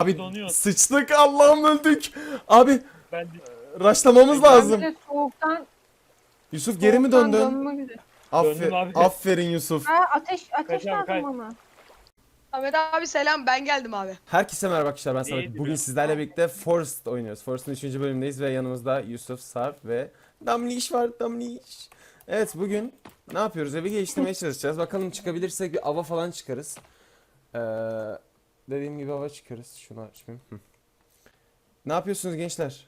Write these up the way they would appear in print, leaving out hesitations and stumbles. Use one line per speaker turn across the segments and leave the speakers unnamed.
Abi
donuyor.
sıçtık, Allah'ım öldük. Abi
Ben de
raşlamamız
Ben
lazım.
Böyle soğuktan
Yusuf geri mi döndün?
dönmek üzere.
Döndüm abi.
Aferin Yusuf.
Ha ateş
Kaç abi, kaç.
lazım bana.
Ahmet abi selam, ben geldim abi.
Herkese merhaba arkadaşlar, ben Samet.
İyiydi
Bugün
be.
sizlerle birlikte Forest oynuyoruz. Forest'ın 3. bölümündeyiz ve yanımızda Yusuf, Sarp ve Damliş var. Damliş. Evet, bugün ne yapıyoruz? Evi geliştirmeye çalışacağız. Bakalım çıkabilirsek bir ava falan çıkarız. Dediğim gibi ava çıkarız. Şunu açmayayım. Ne yapıyorsunuz gençler?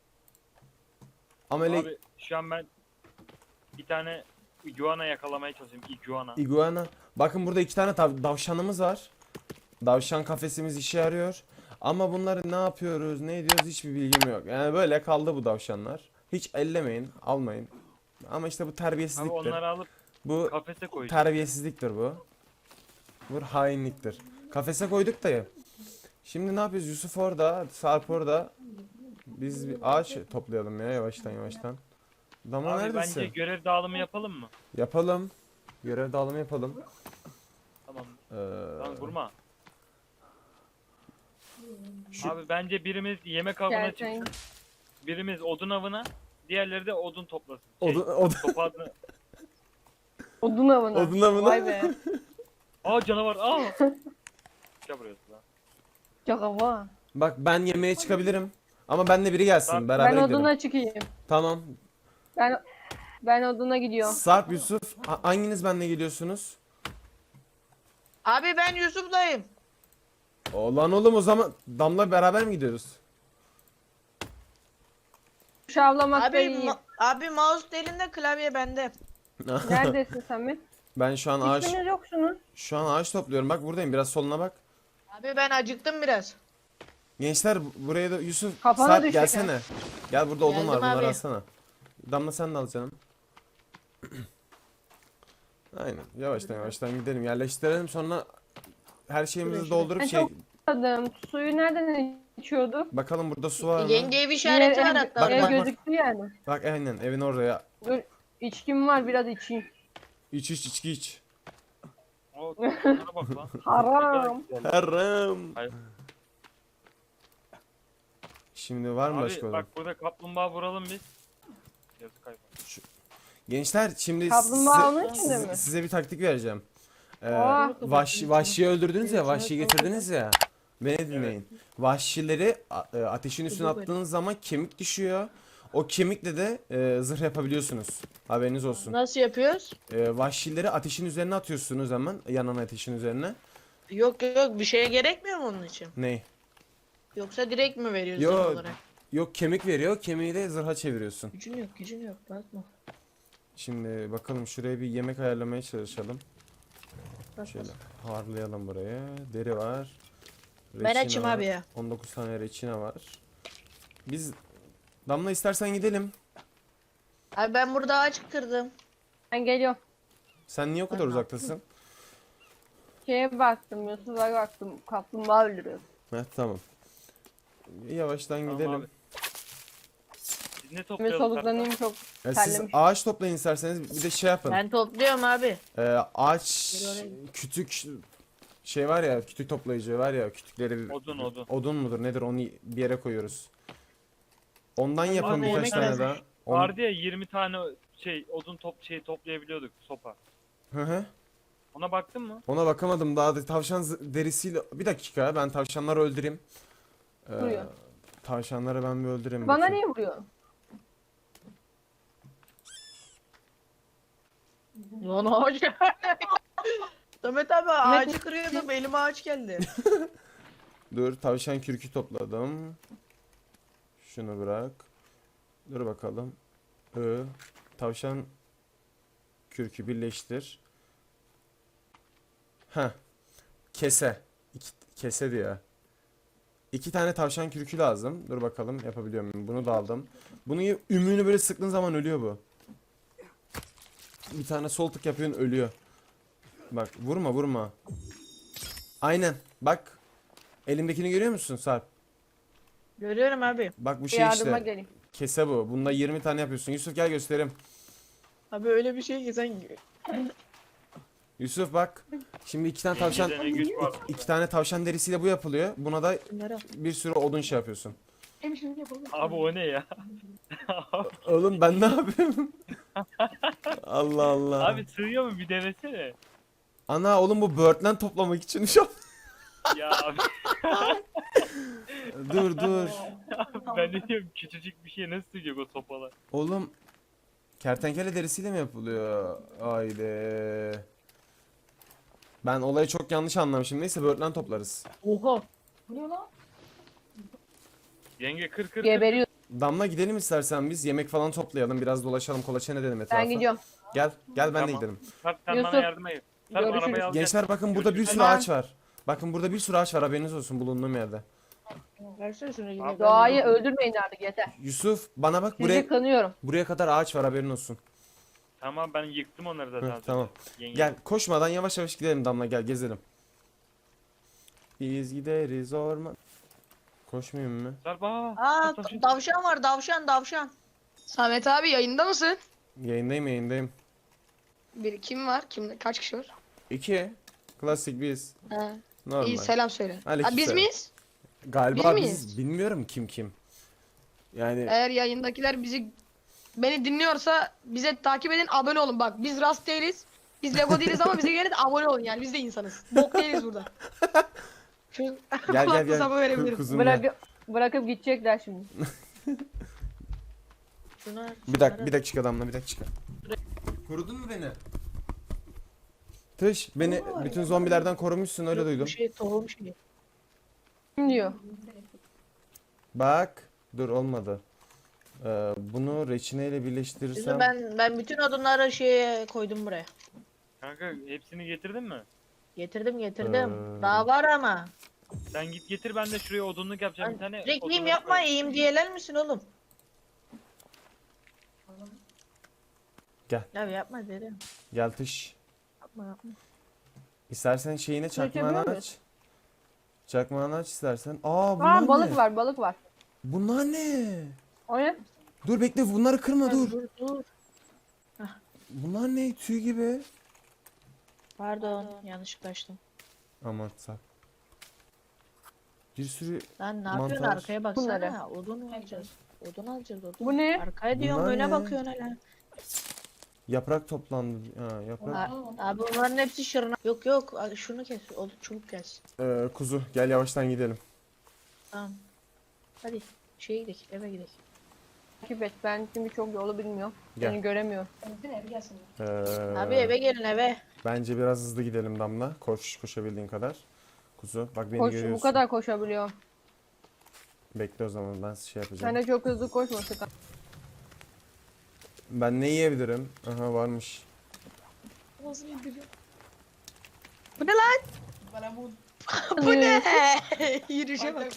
Amele
Abi şu an ben bir tane iguana yakalamaya çalışıyorum. Iguana.
iguana. Bakın burada 2 tane davşanımız var. Davşan kafesimiz işe yarıyor. Ama bunları ne yapıyoruz, ne ediyoruz hiçbir bilgim yok. Yani böyle kaldı bu davşanlar. Hiç ellemeyin, almayın. Ama işte bu
Abi
terbiyesizliktir.
onları alıp
Bu
kafese koyacağım.
terbiyesizliktir bu. Bu hainliktir. Kafese koyduk da ya. Şimdi ne yapıyoruz? Yusuf orada, Sarp orada. Biz bir ağaç toplayalım ya yavaştan yavaştan. Damla
Abi
neredesin?
bence görev dağılımı yapalım mı?
Yapalım. Görev dağılımı yapalım.
Tamam.
Ee,
Lan vurma.
şu-
Abi bence birimiz yemek avına
Gerçekten.
çıksın. Birimiz odun avına. Diğerleri de odun toplasın.
odun
Topadını.
Odun avına.
Odun avına.
Vay be.
Aa canavar. Aa. Gel buraya lan.
Çok hava.
Bak ben yemeğe çıkabilirim. Ama benle biri gelsin.
Sarp,
Beraber
Ben
gidelim.
oduna çıkayım.
Tamam.
Ben oduna gidiyorum.
Sarp, Yusuf, hanginiz benle geliyorsunuz?
Abi ben Yusuf'dayım.
Lan oğlum, o zaman Damla beraber mi gidiyoruz?
Şavlamakta
Abi
iyiyim.
abi mouse elinde, klavye bende.
Neredesin Samet?
Ben
Hiçbiriniz yoksunuz.
şu an ağaç topluyorum. Bak buradayım. Biraz soluna bak.
Abi ben acıktım biraz.
Gençler buraya da Yusuf,
Kafana
Sarp
düşecek
gelsene. Gel, burada odun
Geldim
var. Bunları
abi.
alsana. Damla sen de al canım. Aynen. Yavaştan yavaştan gidelim. Yerleştirelim, sonra her şeyimizi
Şuraya.
doldurup
Ben çok susadım. Suyu nereden içiyorduk?
bakalım burada su var mı?
Yenge ev işareti var hatta.
Bak,
Ev
bak.
gözüktü yani.
Bak aynen evin oraya.
Dur, içkim var biraz içeyim.
İç içki iç.
O toplara bak lan.
Haram.
Haram.
Hayır.
Şimdi var mı başka
Abi
olan?
bak burada kaplumbağa vuralım biz. Yazık hayvan.
Gençler şimdi
Kaplumbağa onun içinde mi?
size bir taktik vereceğim.
Oha.
Vahşiyi öldürdünüz ya, vahşiyi getirdiniz ya. Beni dinleyin. Vahşileri ateşin üstüne attığınız zaman kemik düşüyor. O kemikle de zırh yapabiliyorsunuz. Haberiniz olsun.
Nasıl yapıyoruz?
Vahşileri ateşin üzerine atıyorsunuz hemen, yanan ateşin üzerine.
Yok yok, bir şeye gerekmiyor mu onun için?
Ney?
Yoksa direkt mi veriyoruz
Yok.
zırh olarak?
Yok, kemik veriyor, kemiği de zırha çeviriyorsun.
Gücün yok bakma.
Şimdi bakalım, şuraya bir yemek ayarlamaya çalışalım.
Bak,
Şöyle
bak.
harlayalım buraya. Deri var.
Ben
reçine
açım
var.
abi ya.
19 tane reçine var. Biz Damla, istersen gidelim.
Abi ben burada ağaç kırdım.
Ben geliyorum.
Sen niye o kadar
Ben ne
uzaktasın?
Şeye baktım, Yusuf'a baktım. Kaplumbağa öldürüyor.
Heh, tamam. Yavaştan
Tamam
gidelim.
abi. Biz ne
Ve
toplayalım?
soluklanayım çok.
Siz
terlemiş.
ağaç toplayın isterseniz, bir de şey yapın.
Ben topluyorum abi.
Ağaç
Gel oraya.
kütük şey var ya, kütük toplayıcı var ya, kütükleri
Odun.
odun mudur nedir, onu bir yere koyuyoruz. Ondan yapın
Bana
birkaç
yemek
tane
lazım.
daha.
Vardı ya 20 tane odun toplayabiliyorduk sopa.
Hı hı.
Ona baktın mı?
Ona bakamadım daha da, tavşan derisiyle. Bir dakika, ben tavşanları öldüreyim.
Vuruyor.
Tavşanları ben bir öldüreyim.
Bana
bakayım.
niye vuruyor?
Lan ağaç. Samet abi ağacı kırıyordum, elime ağaç geldi.
Dur, tavşan kürkü topladım. Şunu bırak. Dur bakalım. Tavşan kürkü birleştir. Ha. Kese. Kese diyor. 2 tane tavşan kürkü lazım. Dur bakalım yapabiliyor muyum? Bunu da aldım. Bunu ümüğünü böyle sıktığın zaman ölüyor bu. Bir tane sol tık yapıyorsun, ölüyor. Bak, vurma. Aynen. Bak. Elimdekini görüyor musun Sarp?
Görüyorum abi.
Bak bu şey
Yardıma
işte.
geleyim.
Kese bu. Bunda 20 tane yapıyorsun. Yusuf gel göstereyim.
Abi öyle bir şey ki sen...
Yusuf bak. Şimdi iki tane tavşan
Yengede ne güç var.
iki tane tavşan derisiyle bu yapılıyor. Buna da
Bunları al.
bir sürü odun şey yapıyorsun.
Abi o ne ya?
Oğlum ben ne yapayım? Allah Allah.
Abi sığıyor mu bir denesene.
Ana oğlum bu böğürtlen toplamak için şu an.
Ya abi
Dur.
ben de diyorum küçücük bir şey nasıl sığacak o sopalar?
Oğlum kertenkele derisiyle mi yapılıyor? Haydi. Ben olayı çok yanlış anlamışım. Neyse böğürtlen toplarız.
Oha.
Yenge kır.
Geberiyor.
Damla gidelim istersen biz. Yemek falan toplayalım. Biraz dolaşalım. Kolaçan edelim etrafı.
Ben gidiyorum.
Gel ben de
Tamam.
gidelim.
Sarp sen
Yusuf,
bana yardıma gel. Sarp
görüşürüz.
arabayı al.
Gençler bakın burada bir sürü
Tamam.
ağaç var. Bakın burada bir sürü ağaç var. Haberiniz olsun bulunduğum yerde.
Versene şunu.
Abi,
Doğayı öldürmeyin artık yeter.
Yusuf bana bak
Sizi kanıyorum.
buraya kadar ağaç var haberin olsun.
Tamam ben yıktım onları zaten.
Hı, tamam.
Yenge.
Gel koşmadan yavaş yavaş gidelim Damla gel gezelim. Biz gideriz orman. Koşmayayım mı?
Sarp
Aa tavşan var tavşan.
Samet abi yayında mısın?
Yayındayım.
Kim var? Kaç kişi var?
2. Klasik biz.
Ha.
Normal.
İyi selam söyle.
Aleyküm
Ha, biz
selam.
miyiz?
Galiba
biz
biz
miyiz?
bilmiyorum kim. Yani
Eğer yayındakiler beni dinliyorsa bize takip edin, abone olun. Bak biz Rast değiliz. Biz Lego değiliz ama bize gelin abone olun yani. Biz de insanız. Bok değiliz burada. Şu
gel
kulaklığı sana verebilirim.
Kuzum gel.
Bırakıp gidecekler şimdi.
Şunlar.
Bir dakika Damla bir dakika. Korudun mu beni? Tış beni bütün zombilerden korumuşsun öyle duydum.
Bir şey tohum şey.
Kim diyor?
Bak dur olmadı. Bunu reçineyle
Şimdi
birleştirirsem
ben bütün odunları şeye koydum buraya.
Kanka hepsini getirdin mi?
Getirdim.
Ee.
Daha var ama.
Sen git getir ben de şuraya odunluk yapacağım bir tane.
Rekliyim
odunluk
yapma
koy.
iyiyim diyeler misin oğlum?
Gel.
Ya yapma dedim.
gel Tış.
Yapma.
İstersen şeyine çakmağını
Çekebiliyor
aç. Çakmağını aç istersen. Bunlar
Aa balık
ne?
balık var.
Bunlar ne?
O ne?
Dur bekle bunları kırma dur.
Dur.
Bunlar ne? Tüy gibi.
Pardon yanlışlıkla açtım.
Aman sağ. Bir sürü
Lan ne yapıyorsun
Mantar.
arkaya baksana.
Bunları.
Odun alacağız. Odun.
Bu ne?
Arkaya diyorum
Bunlar
öne
ne?
bakıyorsun hala.
yaprak toplandı. Yaprak.
Abi bunların hepsi şırına. Yok şunu kes. Odun çubuk kes.
Kuzu gel yavaştan gidelim.
Tamam. Hadi şeye gidelim eve gidelim.
Takip et. Ben çünkü çok yolu bilmiyorum.
Gel.
Seni göremiyorum.
Abi eve gelin eve.
Bence biraz hızlı gidelim Damla. Koşabildiğin kadar. Kuzu bak beni
Koş,
görüyorsun.
bu kadar koşabiliyorum.
Bekle o zaman ben şey yapacağım.
Sen de çok hızlı koşma sakın.
Ben ne yiyebilirim? Aha varmış.
Bu ne lan?
Bu ne?
Yürüyüşe bak.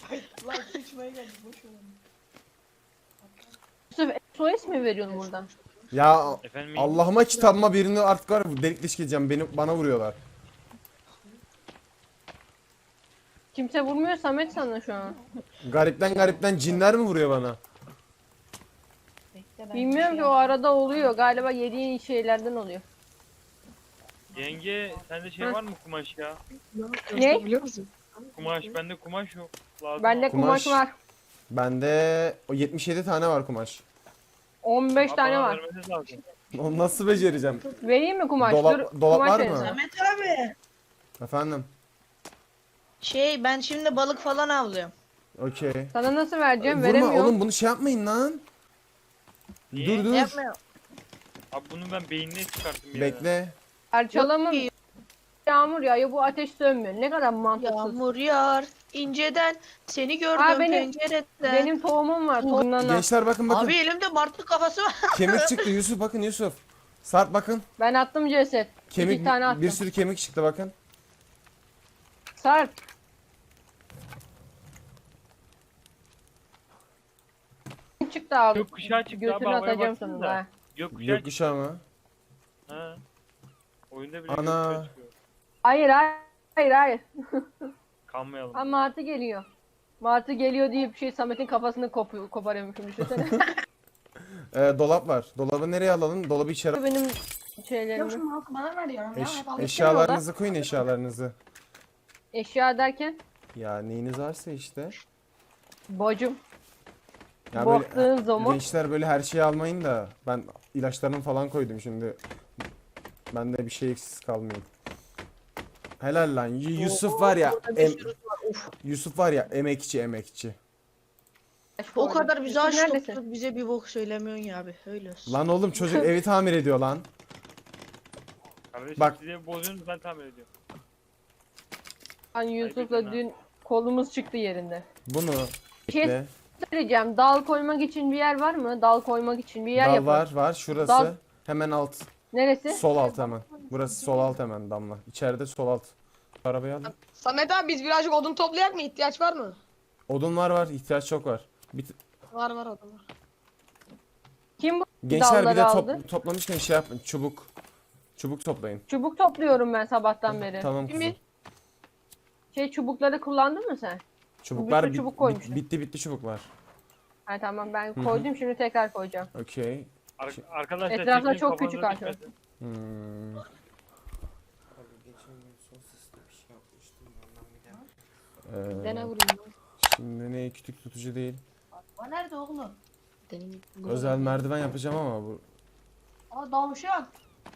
Yusuf SOS mi veriyorsun buradan?
Ya
Efendim
Allah'ıma kitabıma birini artık var ya, delik deşik edeceğim. Bana vuruyorlar.
Kimse vurmuyor Samet sana şu an.
Garipten cinler mi vuruyor bana?
Bilmiyorum ki o arada oluyor. Galiba yediğin şeylerden oluyor.
Yenge sende şey
Hı.
var mı kumaş ya?
Ne?
Biliyor musun?
Kumaş bende kumaş yok. Lazım
Bende
abi.
kumaş var.
Bende o 77 tane var kumaş.
15
Abi
tane
bana
var.
vermeniz lazım.
Onu nasıl becereceğim?
Vereyim mi kumaş?
Dolap
Dur,
var
kumaş
mı?
vereceğim.
Samet abi.
Efendim.
Ben şimdi balık falan avlıyorum.
Okey.
Sana nasıl vereceğim?
Vurma
Veremiyorum.
oğlum bunu şey yapmayın lan.
Niye?
Dur.
Yapmıyorum.
Abi bunu ben beynine çıkarttım ya.
Bekle.
Parçalamam.
Yok ki.
Yağmur yağıyor bu ateş sönmüyor. Ne kadar mantıksız.
Yağmur yağar inceden seni gördüm
Aa, benim-
pencereden.
Benim tohumum var. Tohumdan al.
Gençler bakın.
Abi elimde martı kafası var.
Kemik çıktı Yusuf bakın Yusuf. Sarp bakın.
Ben attım ceset.
Kemik
İki tane attım.
bir sürü kemik çıktı bakın.
Sarp. Çıktı abi.
Gökkuşağı çıktı abi
Götünü
havaya
atacağım
baksana
sonunda.
da.
ha.
Gökkuşağı çıktı.
Gökkuşağı mı?
Ha. Oyunda bile
Ana.
gökkuşağı çıkıyor.
Hayır.
Kanmayalım.
Ha Martı geliyor. Martı geliyor diye bir şey Samet'in kafasını koparıyormuşum düşünsene.
Dolap var. Dolabı nereye alalım? Dolabı içeri.
Benim
Yok
şeylerimi.
şunu halkı bana veriyorum ya. Hep alıp
Eşyalarınızı koyun, eşyalarınızı.
Eşya derken
Ya neyiniz varsa işte.
bacım.
Ya böyle
Baktığın zaman
gençler böyle her şeyi almayın da ben ilaçlarımı falan koydum şimdi. Bende bir şey eksiz kalmayayım. Helal lan. Yusuf var ya. Yusuf var ya emekçi emekçi.
O kadar bize
Yusuf
aç
neredesin?
tutup bize bir bok söylemiyorsun ya abi. Öyle olsun.
Lan oğlum çocuk evi tamir ediyor lan.
Kardeşim
Bak.
size bozuyorsunuz ben tamir ediyorum.
Ben Yusuf'la
ha.
dün kolumuz çıktı yerinde.
Bunu
Şey
bekle.
söyleyeceğim. Dal koymak için bir yer var mı? Dal koymak için bir yer
Dal
yapın.
var şurası.
Dal.
Hemen alt.
Neresi?
Sol alt hemen. Burası sol alt hemen Damla. İçeride sol alt. Arabayı al.
Samet abi biz birazcık odun toplayak mı? İhtiyaç var mı?
Odun var ihtiyaç çok var.
Var odun var.
Kim bu
Gençler bir de
dalları aldı?
toplamışken şey yapın. Çubuk. Çubuk toplayın.
Çubuk topluyorum ben sabahtan beri.
Tamam
Değil
kızım.
mi?
Çubukları kullandın mı sen?
Çubuklar
Bir sürü çubuk koymuşum.
bitti çubuklar.
Ha tamam ben
hı.
koydum şimdi tekrar koyacağım.
Okey.
Arkadaşlar
Etrafta
çekilin,
çok
kafanıza
küçük ağaç var.
düşmesin.
Hmm.
Dene
Ee,
vurayım.
şimdi ne kütük tutucu değil.
O nerede oğlum?
Deneyim.
Özel merdiven yapacağım ama bu
Aa davşan.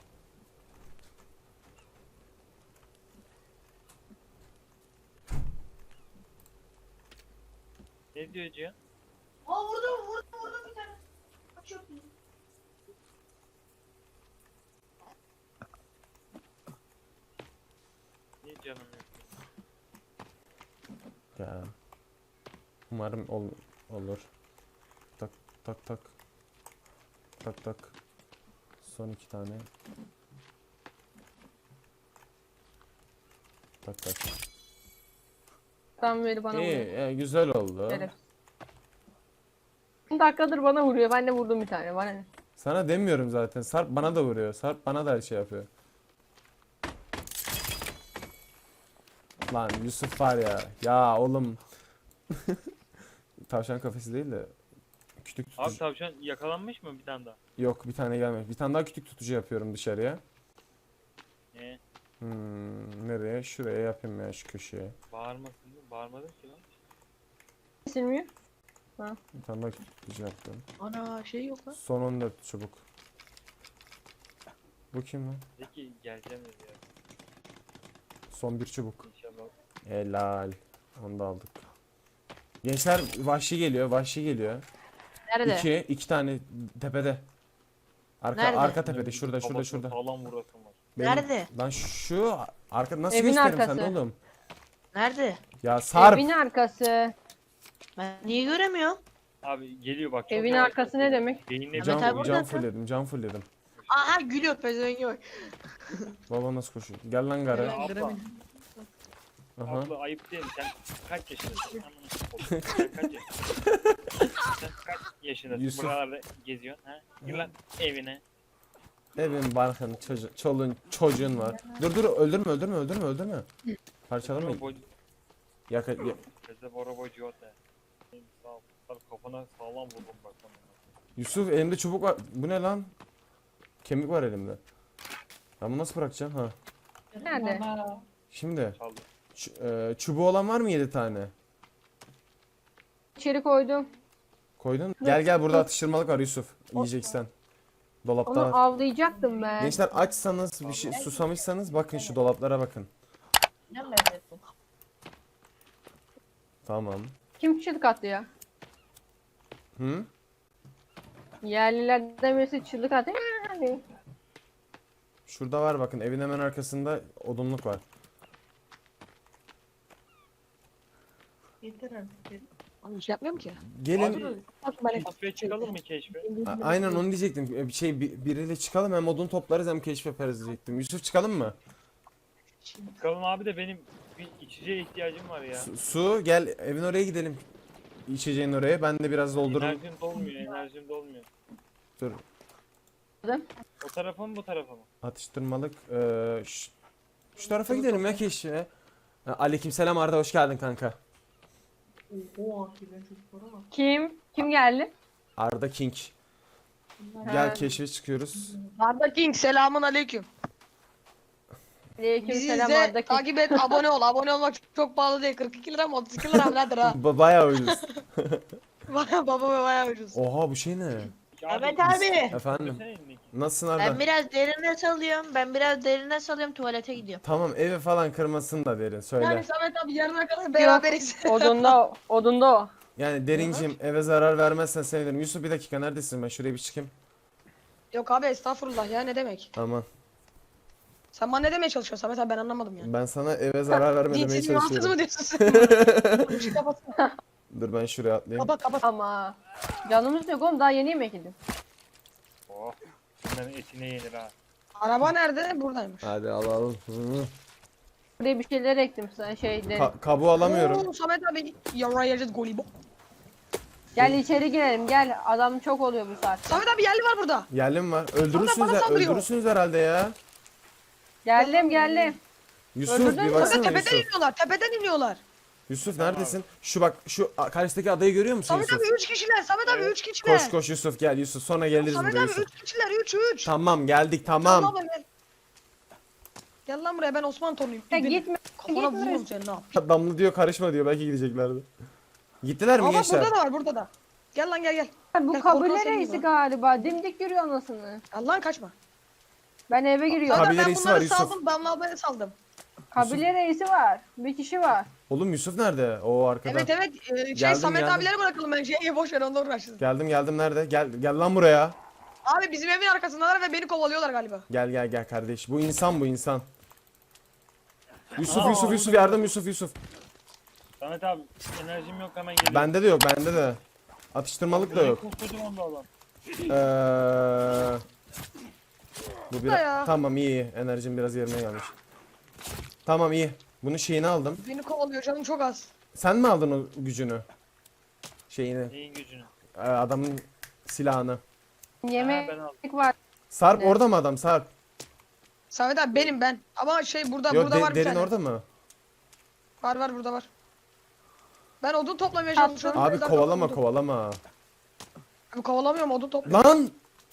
Ne diyor Cihan?
Aa vurdum bir tane. Çok iyi.
Niye canım yok?
ya. Umarım olur. Tak tak tak. Tak tak. Son 2 tane. Tak tak.
Tam beri bana vuruyor.
İyi, güzel oldu.
Evet. 10 dakikadır bana vuruyor. Ben de vurdum bir tane. Bana ne?
Sana demiyorum zaten. Sarp bana da vuruyor. Sarp bana da her şey yapıyor. Lan Yusuf var ya. Ya oğlum. Tavşan kafesi değil de kütük
Abi
tutucu.
tavşan yakalanmış mı bir tane daha?
Yok bir tane gelmedi. Bir tane daha kütük tutucu yapıyorum dışarıya.
Ne?
Nereye? Şuraya yapayım ya şu köşeye.
Bağırmasın mı? Bağırmadın ki lan.
Kesilmiyor.
Bir tane daha kütük tutucu yaptım.
Ana şey yok lan.
Son 14 çubuk. Bu kim lan?
Peki geleceğim dedi ya.
Son bir çubuk.
İnşallah.
Helal. Onu da aldık. Gençler vahşi geliyor. Vahşi geliyor.
Nerede?
İki tane tepede.
Nerede?
Arka tepede. Şurada
Kafasına
şurada.
Sağlam vurasın var.
Nerede?
Lan şu arka nasıl
Evin
göstereyim
arkası.
sana oğlum?
Nerede?
Ya Sarp.
Evin arkası.
Ben niye göremiyorum?
Abi geliyor bak. çok
Evin
yavaş
arkası
basıyor.
ne demek?
Beyinle
Mehmet
Can,
abi burada
can
mı?
fullledim. Can fullledim.
Aha gülüyor pezevengi bak.
Baba nasıl koşuyor? Gel lan gara.
Ya abla,
Aha.
abla ayıp değil mi? Sen kaç yaşındasın? Amına koyayım. Sen kaç yaşındasın? Sen kaç yaşındasın?
Yusuf.
Buralarda geziyorsun ha? Gir lan evine.
Evin barkın çoluğun çocuğun var. Dur öldürme. Parçalama.
Bora boy-
Yaka, ya-
Kızı bora boy ciota. Sağ ol. Kafana sağlam vurdum bak sana.
Yusuf elimde çubuk var. Bu ne lan? Kemik var elimde. Ben bunu nasıl bırakacağım ha?
Nerede?
Baba.
Şimdi
Çaldı.
çubuğu olan var mı 7 tane?
İçeri koydum.
Koydun. Gel burada atıştırmalık var Yusuf. Yiyeceksen. Dolapta
Onu
var.
avlayacaktım ben.
Gençler açsanız bir şey susamışsanız bakın şu dolaplara bakın.
Ne lezzetli.
Tamam.
Kim çığlık attı ya?
Hı?
Yerlilerden birisi çığlık attı.
Şurada var bakın evin hemen arkasında odunluk var.
Yeter artık.
Oğlum şey yapmıyorum ki.
Gelin.
Abi keşfe çıkalım mı keşfe?
Aynen onu diyecektim. Bir şey biriyle çıkalım hem odun toplarız hem keşif yaparız diyecektim. Yusuf çıkalım mı?
Çıkalım abi de benim bir içeceğe ihtiyacım var ya.
Su gel evin oraya gidelim. İçeceğin oraya. Ben de biraz doldururum.
Enerjim dolmuyor.
Dur.
O tarafa mı bu tarafa mı?
Atıştırmalık. Şu tarafa gidelim ya keşfe. Aleykümselam Arda hoş geldin kanka.
Oha ki ben çocuklara bak.
Kim? Kim geldi?
Arda King. Gel keşfe çıkıyoruz.
Arda King selamun aleyküm.
Aleyküm
Bizi
selam
izle,
Arda King.
takip et, abone ol. Abone olmak çok pahalı değil. 42 lira mı 32 lira mı nedir ha?
Bayağı ucuz.
Baba bayağı ucuz.
Oha bu şey ne?
Evet abi.
Efendim.
Söylesene elindeki.
Nasılsın
Ben
Arda?
biraz derine salıyorum. Ben biraz derine salıyorum. Tuvalete gidiyorum.
Tamam eve falan kırmasın da derin söyle.
Yani Samet abi yarına kadar beraberiz.
Odunda o.
Yani derincim eve zarar vermezsen sevinirim. Yusuf bir dakika neredesin ben şuraya bir çıkayım.
Yok abi estağfurullah ya ne demek?
Aman
Sen bana ne demeye çalışıyorsun Samet abi ben anlamadım yani.
ben sana eve zarar verme demeye
Dinsiz rahatsız
çalışıyorum.
mı diyorsun sen? Şu kapatsana.
Dur ben şuraya atlayayım.
Kapat.
Ama canımız yok oğlum daha yeni yemek yedim.
Oh. Bunların etine yenir ha.
Araba nerede? Buradaymış.
Hadi alalım. Hı.
Buraya bir şeyler ektim sana şeyleri.
Kabuğu alamıyorum.
Oo, Samet abi yarayacağız golü bu.
Gel içeri girelim gel adam çok oluyor bu saatte.
Samet abi yerli var burada.
Yerlim var.
bana saldırıyor.
Öldürürsünüz herhalde ya.
Geldim.
Yusuf
Öldürdün
bir
mü?
Samet
baksana
tepeden
Yusuf.
iniyorlar. Tepeden iniyorlar.
Yusuf neredesin? Şu bak şu karşıdaki adayı görüyor musun
Samet
Yusuf?
abi 3 kişiler. Samet abi 3 kişiler.
Koş koş Yusuf gel Yusuf sonra geliriz
Samet
buraya
abi
Yusuf.
3 kişiler 3.
Tamam geldik tamam.
Gel lan buraya ben Osman Torunuyum.
Ya gitme.
Kafana
gitme.
vururum seni ne yap?
Damla diyor karışma diyor belki gideceklerdi. Gittiler mi
Ama
gençler?
burada da var burada da. Gel lan gel.
Bu
Gel,
kabile
korkan senin
reisi
gibi.
galiba. Dimdik yürüyor anasını.
Allah'ın kaçma.
Ben eve giriyorum.
Kabile
ben
reisi
bunları
var, Yusuf.
saldım. Damla ablaya saldım.
Kabile reisi var. Bir kişi var.
Oğlum Yusuf nerede? O arkada.
Evet.
Geldim,
Samet
geldim.
abilere bırakalım bence. Boş ver onunla uğraşsın.
Geldim nerede? Gel lan buraya.
Abi bizim evin arkasındalar ve beni kovalıyorlar galiba.
Gel kardeş. Bu insan. Yusuf
Aa,
Yusuf Yusuf.
Samet abi enerjim yok hemen geliyorum.
Bende de yok bende de. Atıştırmalık da yok.
Koskocaman da alan.
Bu
Da ya.
tamam iyi. Enerjim biraz yerine gelmiş. Tamam iyi. Bunun şeyini aldım.
Beni kovalıyor canım çok az.
Sen mi aldın o gücünü? Şeyini.
Neyin gücünü?
Adamın silahını.
Yemek
ben aldım.
var.
Sarp
Ne?
orada mı adam? Sarp.
Samet abi benim ben. Ama burada
Yok
burada var bir
derin
tane.
orada mı?
Var burada var. Ben odun toplamaya
Attım.
çalışıyorum.
Abi
Buradan
kovalama
topladım.
kovalama.
Abi kovalamıyorum odun topluyorum.
Lan!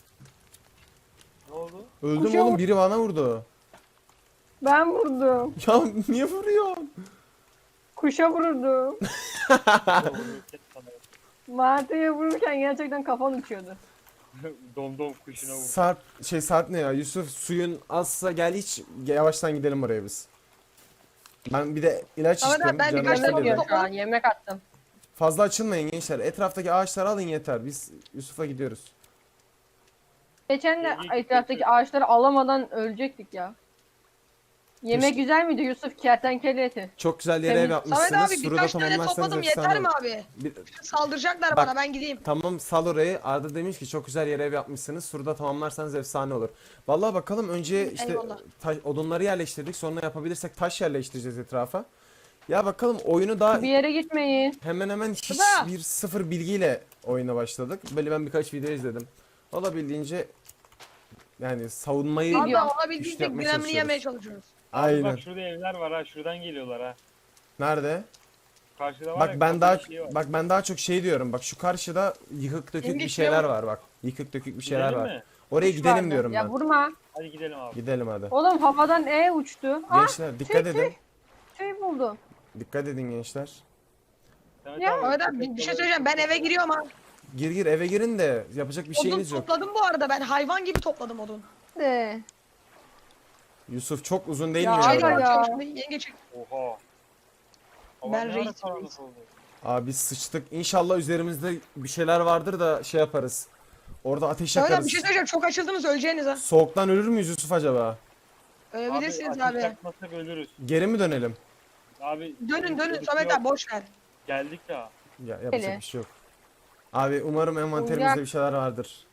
Ne oldu?
Öldüm
Kuşa
oğlum
vur.
biri bana vurdu.
Ben vurdum.
Ya niye vuruyorsun?
Kuşa vurdum.
Vururken sana
Martı'ya vururken gerçekten kafam uçuyordu.
Dom kuşuna vurdu.
Sarp ne ya? Yusuf suyun azsa gel hiç yavaştan gidelim oraya biz. Ben bir de ilaç
Samet abi,
içtim.
ben
canım
birkaç tane
istedi.
Yemek
odun
yiyor şu an. Yemek attım.
Fazla açılmayın gençler. Etraftaki ağaçları alın yeter. Biz Yusuf'a gidiyoruz.
Geçen de
Yemek
etraftaki ağaçları alamadan ölecektik ya. Yemek
Keşke-
güzel miydi Yusuf? Kertenkele eti.
Çok güzel yere
Temiz.
ev
Samet
yapmışsınız.
abi
Suru da
birkaç tane
tamamlarsanız
topladım
efsane
yeter mi
olur.
abi?
Bir-
Saldıracaklar
Bak.
bana ben gideyim.
Tamam sal orayı. Arda demiş ki çok güzel yere ev yapmışsınız. Surda tamamlarsanız efsane olur. Vallahi bakalım önce işte
Eyvallah.
odunları yerleştirdik. Sonra yapabilirsek taş yerleştireceğiz etrafa. Ya bakalım oyunu daha
Bir yere gitmeyin.
hemen hiç
Baba!
bir sıfır bilgiyle oyuna başladık. Böyle ben birkaç video izledim. Olabildiğince yani savunmayı
Abi
Video.
güçlü
olabildiğince
yapmaya
gramını
çalışıyoruz.
yemeye çalışıyoruz.
Aynen.
Bak şurada evler var ha. Şuradan geliyorlar ha.
Nerede?
Karşıda var
Bak
ya.
ben
kapıda
daha
bir şey var.
bak ben daha çok şey diyorum. Bak şu karşıda yıkık dökük
Yenge
bir
şuraya
şeyler
bak.
var bak. Yıkık dökük bir şeyler
Gidelim
var.
mi?
Oraya
Kuş
gidelim
vardı.
diyorum
Ya
ben.
vurma.
Hadi gidelim abi.
Gidelim hadi.
Oğlum havadan uçtu. Ah
Gençler dikkat edin.
şey buldum.
Dikkat edin gençler.
Samet
Ya.
abi,
Samet abi bir şey söyleyeceğim ben eve giriyorum ha.
Gir eve girin de yapacak bir
Odun
şeyiniz yok.
topladım bu arada ben hayvan gibi topladım odun.
De.
Yusuf çok uzun değil
Ya
mi
hayır
ya?
ya.
Açıyorum şimdi, yenge çek.
Oha. Hava
Ben
ne ara
reis,
karanlık
reis.
oldu?
Abi biz sıçtık. İnşallah üzerimizde bir şeyler vardır da şey yaparız. Orada ateş
Samet abi
yakarız.
bir şey söyleyeceğim çok açıldınız öleceğiniz ha.
Soğuktan ölür müyüz Yusuf acaba?
Ölebilirsiniz
ateş
abi.
yakmasak ölürüz.
Geri mi dönelim?
Abi.
Dönün
yok,
Samet
yok.
abi boş ver.
Geldik daha.
Ya yapacak
Öyle.
bir şey yok. Abi umarım envanterimizde
Uygar.
bir şeyler vardır.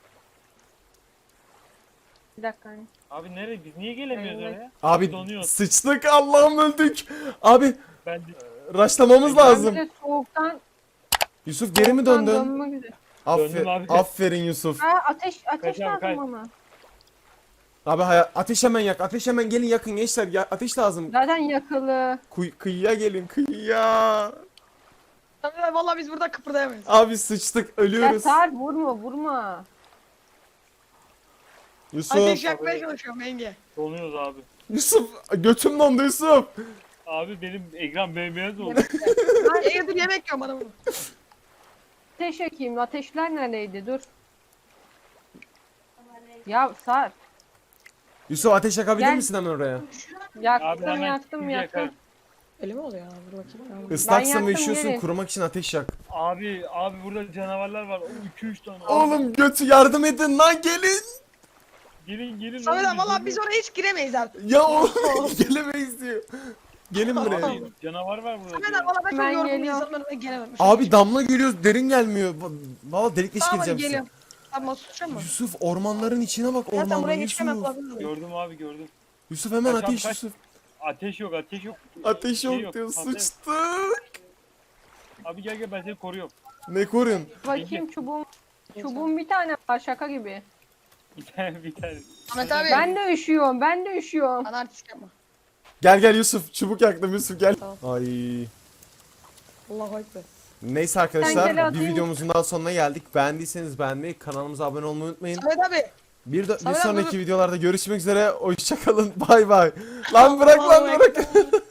Bir dakika. hani.
Abi nereye? Biz niye gelemiyoruz
Evet.
oraya?
Abi
Donuyoruz.
sıçtık Allah'ım öldük. Abi
Ben de...
raşlamamız
Ben
lazım.
bir de soğuktan
Yusuf geri mi
soğuktan
döndün?
dönmek üzere.
Döndüm abi.
Aferin Yusuf.
Ha ateş
Kaç abi,
lazım
kaç.
ama.
Abi ateş hemen yak. Ateş hemen gelin yakın gençler. Ya, ateş lazım.
Zaten yakılı.
Kıyıya gelin kıyıya.
Samet abi valla biz burada kıpırdayamayız.
Abi sıçtık
Ya
ölüyoruz.
Sarp vurma.
Yusuf.
Ateş yakmaya çalışıyorum yenge.
Donuyoruz abi.
Yusuf götüm dondu Yusuf.
Abi benim ekran bembeyaz oldu.
Yenge dur yemek yiyorum bana bunu.
Ateş yakayım. Ateşler neredeydi? Dur. Ya Sar.
Yusuf ateş yakabilir
Gel.
misin hemen oraya?
Abi
Yaktım
hemen
yaktım
şimdi
yaktım.
yakarım.
Öyle mi oluyor ya? Dur bakayım.
Islaksın
yaktım,
ve üşüyorsun,
gelin.
kurumak için ateş yak.
Abi burada canavarlar var. 2-3 tane.
Oğlum götü yardım edin lan gelin.
Gelin.
Samet
oğlum,
abi valla biz oraya hiç giremeyiz artık.
Ya oğlum gelemeyiz diyor. Gelin buraya.
Abi, canavar var burada.
Samet
diyor.
abi valla ben çok
Ben
yorgun bir
geliyorum.
insanım ben gelemem.
Abi damla geliyoruz derin gelmiyor. Valla delik deşik
Tamam hadi
edeceğim size.
geliyorum. Abi nasıl tutacağım mı?
Yusuf ormanların içine bak
Ya sen buraya
ormanların
geçemem
Yusuf.
kulaklığı.
Gördüm abi gördüm.
Yusuf hemen
Kaç abi,
ateş
kaç?
Yusuf.
Ateş yok.
Ateş
Şey
yok diyor
patlayın.
sıçtık.
Abi gel ben seni koruyorum.
Ne koruyun?
Bakayım çubuğum bir tane var şaka gibi.
Bir tane.
Samet abi.
Ben de üşüyorum. Ben de üşüyorum.
Bana artist yapma.
Gel Yusuf çubuk yaktım Yusuf gel.
Tamam.
Ay.
Allahu ekber.
Neyse
Sen
arkadaşlar
gel
bir
atayım.
videomuzun daha sonuna geldik. Beğendiyseniz beğenmeyi, kanalımıza abone olmayı unutmayın.
Samet abi.
Bir
Samet abi,
sonraki videolarda görüşmek üzere. Hoşçakalın. Bay bay. Lan bırak lan
Allahu
bırak.